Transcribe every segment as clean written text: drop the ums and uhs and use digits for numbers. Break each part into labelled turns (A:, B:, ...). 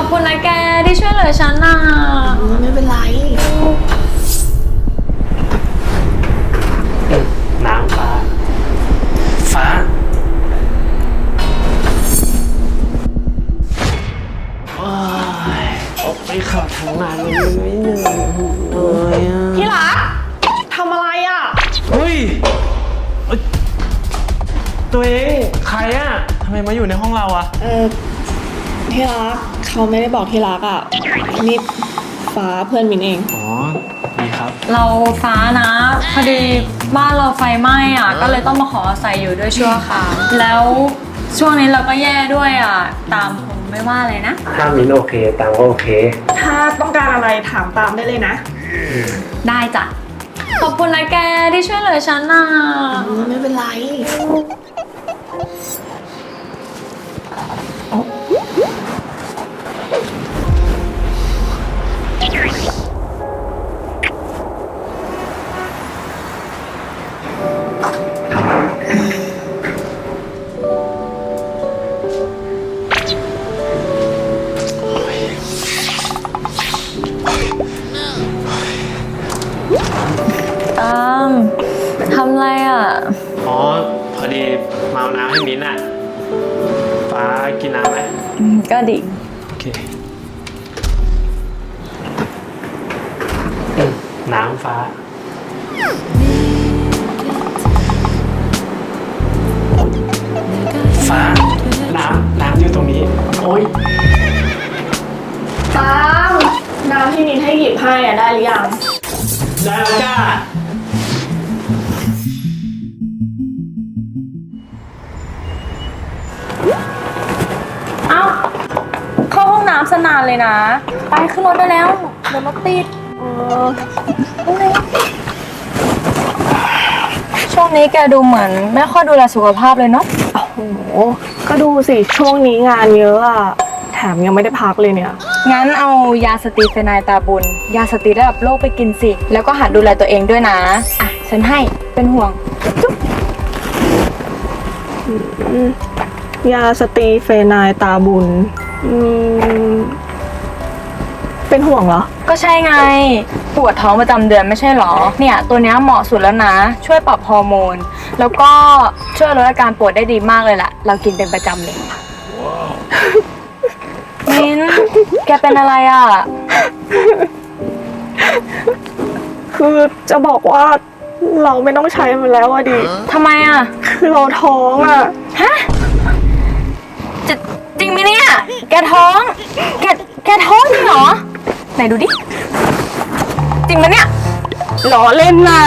A: คุณนะแกที่ช่วยเหลือฉันน่ะ
B: ไม่เป็นไร
C: น้ำฟ้าออกไปขับทางานมันไม่เหนื่อยเลยอ่ะ
B: ที่รักทำอะไรอ่ะ
C: เฮ้ยตัวเองใครอ่ะทำไมมาอยู่ในห้องเราอ่ะ
B: ที่รักเขาไม่ได้บอกที่รักอ่ะนี่ฟ้าเพื่อนมินเอง
C: อ๋อดีครับ
A: เราฟ้านะพอดีบ้านเราไฟไหม้อ่ะก็เลยต้องมาขออาศัยอยู่ด้วยชั่วคราวแล้วช่วงนี้เราก็แย่ด้วยอ่ะตามคงไม่ว่าเลยนะ
C: ถ้ามินโอเคตังก็โอเค
B: ถ้าต้องการอะไรถามตามได้เลยนะ
A: ได้จ้ะขอบคุณนะแกที่ช่วยเหลือฉันน่ะ
B: ไม่เป็นไร
A: ตามทำอะไรอ่ะ
C: อ๋อพอดีมาเอาน้ำให้มินอ่ะฟ้ากินน้ำไหม
A: ก็ดี
C: โอเคน้ำฟ้าน้ำอยู่ตรงนี้โอ๊ย
B: ตามน้ำที่มินให้หยิบให้อ่ะได้หรือยัง
C: ได้แล้วจ้า
A: เอ้าเข้าห้องน้ำสนานเลยนะไปขึ้นรถได้แล้วเดี๋ยวรถติดช่วงนี้แกดูเหมือนไม่ค่อยดูแลสุขภาพเลยเนาะ
B: โอ้โหก็ดูสิช่วงนี้งานเยอะอ่ะแถมยังไม่ได้พักเลยเนี่ย
A: งั้นเอายาสเตีเฟนายตาบุญยาสเตีระดับโลกไปกินสิแล้วก็หัดดูแลตัวเองด้วยนะอ่ะฉันให้เป็นห่วงจุ๊บ
B: ยาสตีเฟนายตาบุญเป็นห่วงเหรอ
A: ก็ใช่ไงปวดท้องประจำเดือนไม่ใช่หรอเนี่ยตัวเนี้ยเหมาะสุดแล้วนะช่วยปรับฮอร์โมนแล้วก็ช่วยลดอาการปวดได้ดีมากเลยล่ะเรากินเป็นประจำเลยมิ้นแกเป็นอะไรอ่ะ
B: คือจะบอกว่าเราไม่ต้องใช้มันแล้วอะดิ
A: ทำไมอ่ะ
B: คือเราท้องอะ
A: ฮะจะจริงไหมเนี่ยแกท้องแกท้องจริงเหรอไหนดูดิจริงไหมเนี่ย
B: ล้อเล่นนะ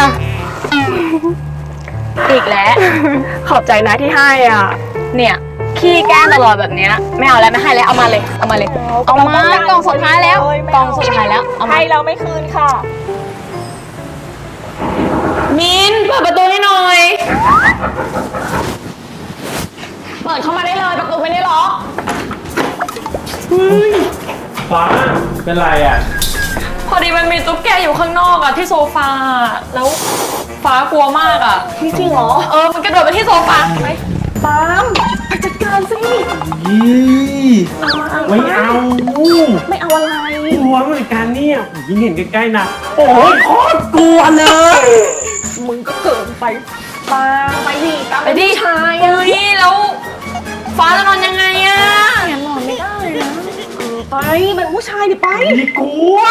A: อีกแล้ว
B: ขอบใจนะที่ให้อ่ะ
A: เนี่ยขี้แกล้งตลอดแบบเนี้ยไม่เอาแล้วไม่ให้แล้วเอามาเลยเอามากล่องสุดท้ายแล้วกล่องสุดท้ายแล้วเอามา
B: ให้เราไม่คืนค่ะ
A: มินเปิดประตูให้หน่อย
B: เปิดเข้ามาได้เลยประตูไม่ได้ล็อก
C: ฟ้าเป็นไรอ่ะ
A: พอดีมันมีตุ๊กแกอยู่ข้างนอกอะที่โซฟาแล้วฟ้ากลัวมากอะ
B: จริงเหรอ
A: มันกระโดดไปที่โซฟาไป
B: ตามไปจัดการสิ
C: ไม่เอา
B: ไม่เอาอะไร
C: กลัวเหมือนกันเนี่ยยิ่งเห็นใกล้ๆนะโอ้ยโคตรกลัวเลย
B: มึงก็เกินไปตามไปดิตาม
A: ไปดิ
B: ชาย
A: เฮ้ยแล้วฟ้าจะนอนยังไงอะ
B: งั้นนอนไม่ได้นะไปเป็นผู้ชายดิไป
C: ไม่กลัว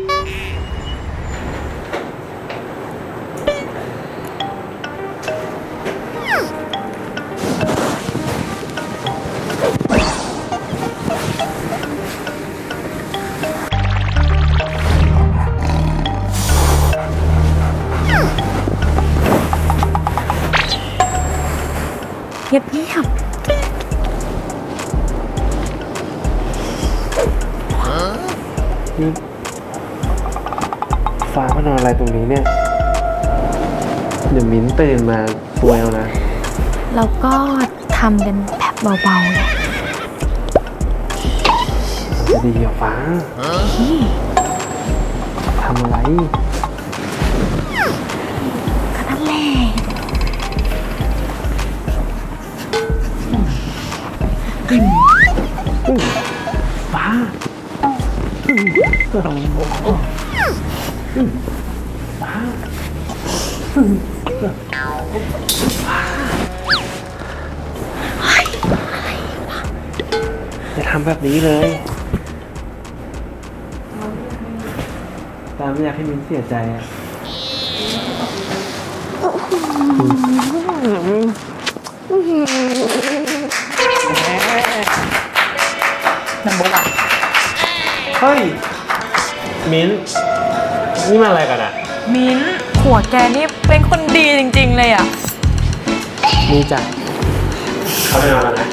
A: เงียบ
C: ฟ้ามานอนอะไรตรงนี้เนี่ย เดี๋ยวมิ้นตื่นมาซวยเอานะ
A: เราก็ทำเป็นแบบเบาๆเลย
C: จะดีเหรอฟ้าทำอะไร
A: นั่นแหละ
C: ฟ้าจะทำแบบนี้เลยตามไม่อยากให้มิ้นเสียใจอะ
A: น้ำบุ๊กอะ
C: เฮ้ย มิ้น นี่มาอะไรกันอะ
A: มิ้นหัวแกนี่เป็นคนดีจริงๆเลยอะ
C: นี่จ้ะเข้าไปนอนแล้วนะ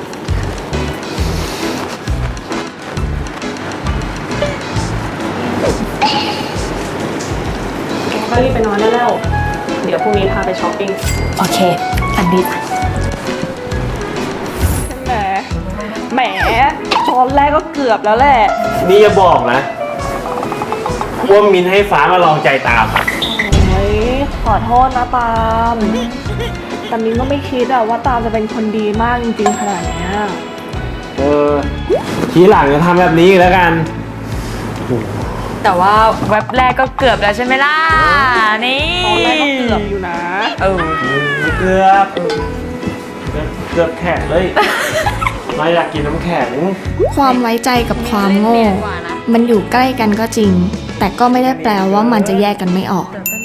B: ก็รีบไปนอนได้แล้ว เดี๋ยวพรุ่งนี้พาไปช้อปปิ้ง
A: โอเคอันดีจ้ะ
B: แหมช้อนแรกก็เกือบแล้วแหละ
C: นี่อย่าบอกนะว่ามิ้นให้ฟ้ามาลองใจตามอะ
B: โอ้ยขอโทษนะตาม แต่มิ้นก็ไม่คิดอะว่าตามจะเป็นคนดีมากจริงๆขนาดเนี้ย
C: ทีหลังจะทำแบบนี้อีกแล้วกัน
A: แต่ว่าเว็บแรกก็เกือบแล้วใช่ไหมล่ะนี่
B: ตอนแรกก็เกือบอยู่นะ
A: เออ
C: เกือบแข็งเลย มาอยากกินน้ำแข็ง
D: ความไว้ใจกับความโง่ มันอยู่ใกล้กันก็จริง แต่ก็ไม่ได้แปลว่ามันจะแยกกันไม่ออก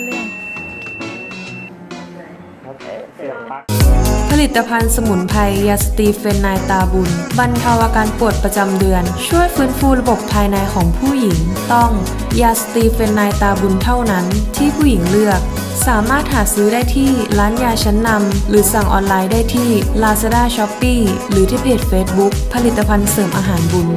E: ผลิตภัณฑ์สมุนไพรยาสตีเฟนไนตาบุญบรรเทาอาการปวดประจำเดือน ช่วยฟื้นฟูระบบภายในของผู้หญิง ต้องยาสตีเฟนไนตาบุญเท่านั้นที่ผู้หญิงเลือก สามารถหาซื้อได้ที่ร้านยาชั้นนำหรือสั่งออนไลน์ได้ที่ Lazada Shopee หรือที่เพจ Facebook ผลิตภัณฑ์เสริมอาหารบุญ